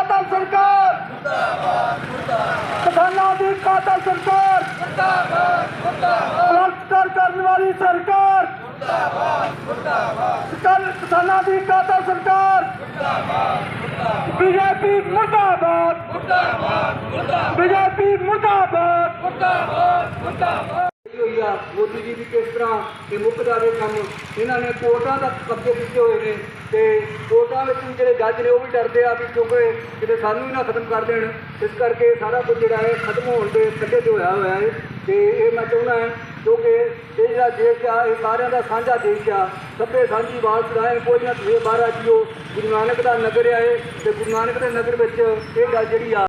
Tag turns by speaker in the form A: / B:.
A: कातल सरकार, किसानों की कातल सरकार, बलात्कार करने वाली सरकार, किसानों की कातल सरकार, बीजेपी मुर्दाबाद, बीजेपी मुर्दाबाद। मोदी जी भी किस तरह ये मुक जाए काम, इन्होंने कोर्टा तक कब्जे किए हुए हैं तो कोर्टा में भी जो जज ने वह भी डरते हैं भी क्योंकि कि सानू ही ना खत्म कर देन, इस करके सारा कुछ जोड़ा है खत्म होने के कटे से होया हुआ है। तो ये मैं चाहना है क्योंकि ये जो देश आ ये सारे का साझा देश आ, सभे साझी आवाज़ चलाएं, कोई ना तुझे बाहर जियो। गुरु नानक का नगर है तो गुरु नानक के नगर में ये गल जी आ